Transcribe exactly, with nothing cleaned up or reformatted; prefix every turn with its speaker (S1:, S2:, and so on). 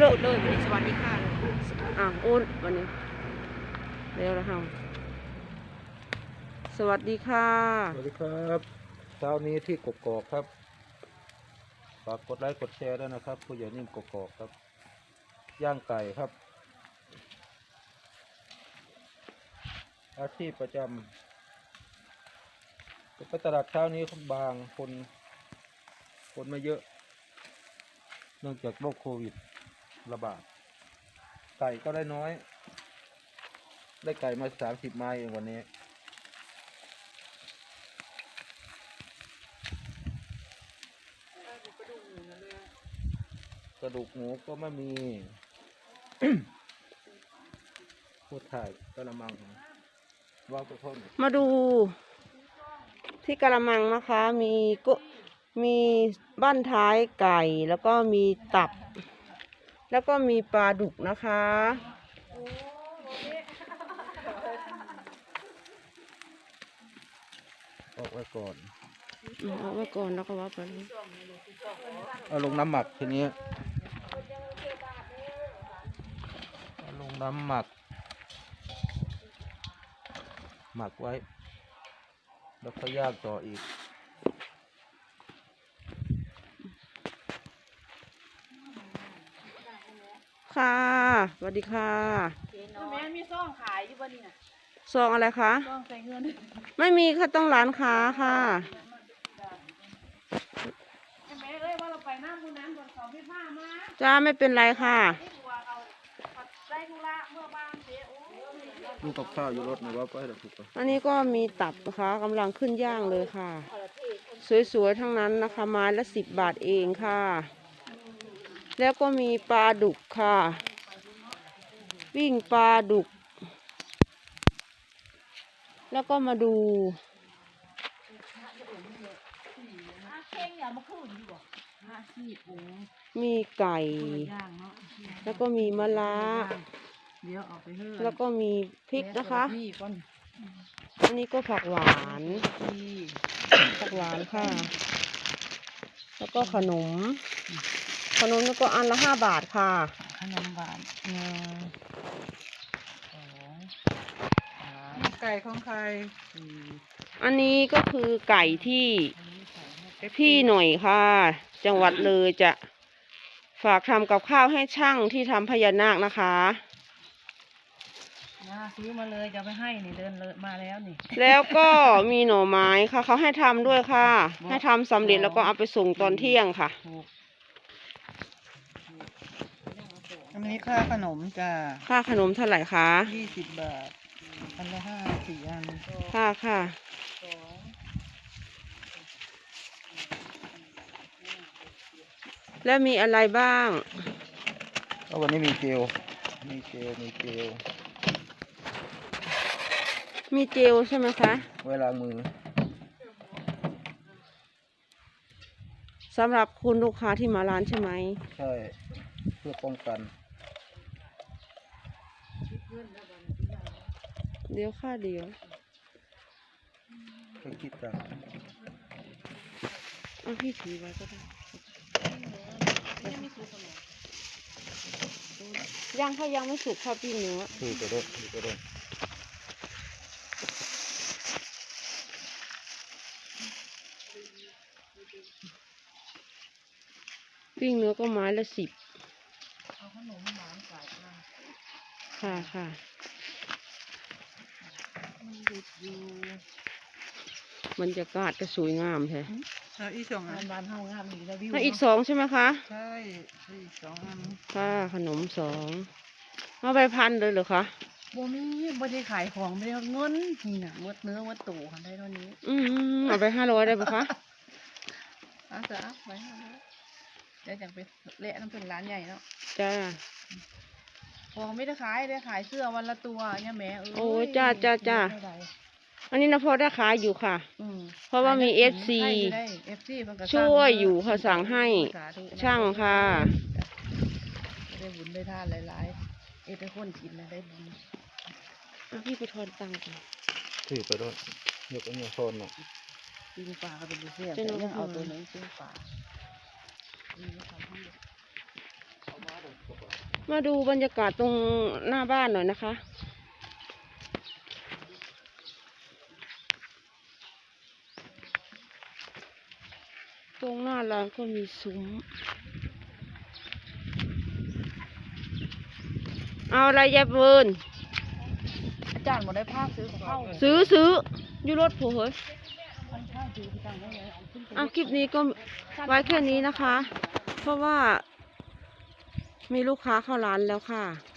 S1: พูดเลยวันนี้สวัสดีค่ะเลยอ่ะโอนวันนี้เร็วแล้วค่ะสวัสดีค่ะ
S2: สวัสดีครับเช้านี้ที่กกอกครับฝากกดไลค์กดแชร์ด้วยนะครับผู้ใหญ่นิ่มกกอกครับย่างไก่ครับอาชีพประจำไปตลาดเช้านี้บางคนคนไม่เยอะเนื่องจากโรคโควิดระบาดไก่ก็ได้น้อยได้ไก่มาสามสิบไม้เองวันนี้กระดูกหมูก็ไม่มี พูดถ่ายกระมังว่างไปพ่น
S1: มาดูที่กระมังนะคะมีก็มีบ้านท้ายไก่แล้วก็มีตับแล้วก็มีปลาดุกนะคะ
S2: ออกไว้ก่อน
S1: เอาไว้ก่อนแล้วก็ว่าไปเลย
S2: เอาลงน้ำหมักทีนี้เอาลงน้ำหมักหมักไว้แล้วก็ย่างต่ออีก
S1: ค่ะสวัสดีค่ะ
S3: แม่มีซองขายอยู่บ่นี่น่ะ
S1: ซองอะไรคะ
S3: ซองใส่เงิน
S1: ไม่มีค่ะต้องร้านค้าค่ะ
S3: แม่เอ้ยว่าเราไปน้ำบุญน้ำบนเขาพี่ผ้ามา
S1: จ้าไม่เป็นไรค่ะ
S3: ที่บัวเขาได้ธุระเมื่อบ้านเสียโอ้ย
S2: ดูกับข้าวอยู่รถนะว่าไปเดี๋ยวถูกไป
S1: อันนี้ก็มีตับนะคะกำลังขึ้นย่างเลยค่ะ สวยๆทั้งนั้นนะคะไม้ละสิบบาทเองค่ะ แล้วก็มีปลาดุกค่ะวิ่งปลาดุก แล้วก็มาดูมีไก่ แล้วก็มีมะระ
S3: เดี๋ยวเอาไปเฮ้ย
S1: แล้วก็มีพริกนะคะ
S3: พี่ก่อน
S1: อันนี้ก็ผักหวานผักหวานค่ะ แล้วก็ขนม ขนมนี่ก็อันละห้าบาทค่ะ
S3: ขนมหวานหนึ่งสองสามไก่ของใครสี่
S1: อันนี้ก็คือไก่ที่พี่หน่อยค่ะ จังหวัดเลยจะฝากทำกับข้าวให้ช่างที่ทำพญานาคนะคะ
S3: มาซื้อมาเลยจะไปให้นี่เดินเลยมาแล้วนี่
S1: แล้วก็มีหน่อไม้ค่ะเขาให้ทำด้วยค่ะ ให้ทำสำเร็จแล้วก็เอาไปส่งตอนเที่ยงค่ะ
S3: อันนี้ค่าขนมจ้า
S1: ค่าขนมเท่าไหร่คะ
S3: ยี่สิบบาทอันละห้าสี่อัน
S1: ค่ะค่ะ แล้วมีอะไรบ้าง
S2: ก็วันนี้มีเจลมีเจลมีเจล
S1: มีเจลใช่ไหมคะ
S2: ไว้ล้างมือ
S1: สำหรับคุณลูกค้าที่มาร้านใช่ไหม
S2: ใช่เพื่อป้องกัน
S1: เดี๋ยวค่ะเดี๋ยว
S2: เพื่อคิดกัน
S1: เอาพี่ถือไว้ก็ได้ยังค่ะยังไม่สุกค่ะพี่เนื้อ
S2: คือไปด้วยคือไปด้วย
S1: ปิ้งเนื้อก็ไม้ละสิบ
S3: เอาขนมหวานใส่มา
S1: ค่ะค่ะ
S3: มันหยุดอยู่
S1: บรรยากาศก็สวยงามแท้
S3: แล้วอีกสองอันบานเฮางามอีกแล้ววิว
S1: แล้วอีกสองใช่ไหมคะ
S3: ใช่อีกสองอัน
S1: ค่ะขนมสองเอาไปพันเลยเหรอคะ
S3: บ่มีบ่ได้ขายของไม่ได้เอาเงินนี่น่ะหมดเนื้อหมดตู่กันได้เท่านี้
S1: อืมเอาไปห้าร้อยได้ปะคะ
S3: เอ่ะจ้ะไปหาแล้วเดี๋ยวจังไปเละน้ำเป็นร้านใหญ่เนาะ
S1: จ้า
S3: ของไม่ได้ขายได้ขายเสื้อวันละตัวเนี่ยแหม่เอ้ย
S1: โอ้จ้าจ้าจ้า
S3: เท่ไหร่
S1: อันนี้นะพอได้ขายอยู่ค่ะ
S3: อืม
S1: เพราะว่ามี
S3: ขย
S1: เอฟ ซี
S3: ได้ เอฟ ซี เพิ่นก็
S1: ช่วยอยู่ค่ะ
S3: สั่
S1: สั่งให้
S3: สาธุนะ
S1: ช่างค่ะ
S3: ได้บุญได้ทานหลายๆเอ้ยเป็นคนกินนะได้บุญ
S1: เอาพี่ไปทอนตังค์ก่อน
S2: คือไปด้วยยกอันนี้โซนหน่อย
S3: กินปลาก็เป็นบุฟเฟ่ต์
S1: เป็น
S3: แต่
S1: บุฟเฟ่ต์
S3: ยังเอาตัวนึงกินปลาอืมทำให้
S2: เอามาเดี๋ยว
S1: มาดูบรรยากาศตรงหน้าบ้านหน่อยนะคะ ตรงหน้าร้านก็มีซุ้ม เอาอะไรยายเบิร์น
S3: อาจารย์บ่ได้ภาคซื้อของเข้า
S1: ซื้อซื้ออยู่รถผู้เฮ้ยอ่ะคลิปนี้ก็ไว้แค่นี้นะคะ เพราะว่ามีลูกค้าเข้าร้านแล้วค่ะ